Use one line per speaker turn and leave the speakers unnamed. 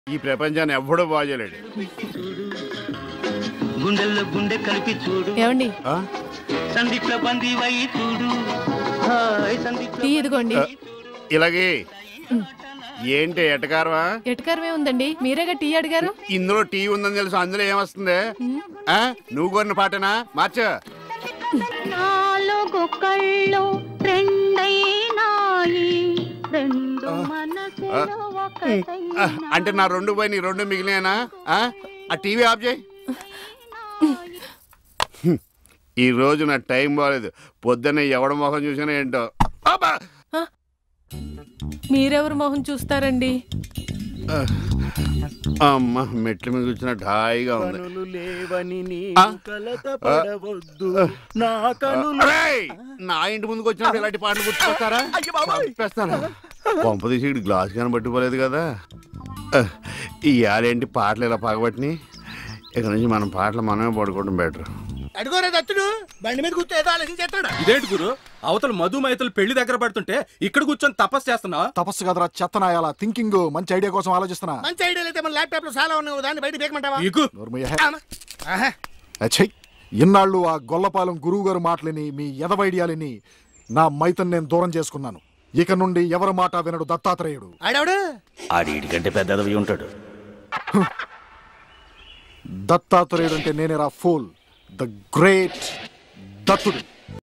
ఈ ప్రపంచాన్ని ఎవ్వడూ బాగోలేడు.
గుండెల్లో గుండె కలిపి చూడు.
ఏమండి
సందీప్ల బందీ వై చూడు.
ఇదిగోండి.
ఇలాగే ఏంటి ఎటకారమా?
ఎటకారమే ఉందండి, మీరేగా టీ అడిగారు.
ఇందులో టీ ఉందని తెలుసు, అందులో ఏమొస్తుంది? నువ్వు కొన్న పాటనా మార్చు. అంటే నా రెండు పోయి నీ రెండు మిగిలినా? ఆ టీవీ ఆఫ్ చేయి. ఈ రోజు నా టైం బాగాలేదు. పొద్దున్నే ఎవడ మొహం చూసినా ఏంటో.
మీరెవరు మొహం చూస్తారండి?
అమ్మ మెట్ల మీద కూర్చున్నట్టు హాయిగా ఉంది. నా ఇంటి ముందుకు వచ్చినప్పుడు ఇలాంటి పాటలు గుర్తుకొస్తారా? చెప్పేస్తారా? పంప తీసి ఇటు గ్లాస్ కానీ పట్టుకోలేదు కదా. ఇవాళేంటి పాటలు ఇలా పగబట్టినాయి. ఇక నుంచి మనం పాటలు మనమే పడుకోవడం బెటర్.
అడుగోరే దత్తుడు బండి మీద కూర్చో ఏదో ఆలోచించేస్తాడు.
ఇదేంటి గురు, అవతల మధు మైతలు పెళ్లి దగ్గర పడుతుంటే ఇక్కడ కూర్చొని తపస్సు చేస్తున్నావా?
తపస్సు కదరా చెత్తనాయాల. థింకింగ్ మంచి ఐడియా కోసం ఆలోచిస్తున్నా.
మంచి ఐడియాలు అయితే మన ల్యాప్టాప్ లో చాలా ఉన్నాయి, దాన్ని బయట బేకమంటావా?
ఇన్నాళ్ళు ఆ గొల్లపాలెం గురువు గారు మాటలని మీ ఎదవైడియాలని నా మైతన్ నేను దూరం చేసుకున్నాను. ఇక నుండి ఎవరి మాట వినడు దత్తాత్రేయుడు.
ఆడికంటే పెద్దదవి ఉంటాడు.
దత్తాత్రేయుడు అంటే నేనేరా ఫూల్, ద గ్రేట్ దత్తుడు.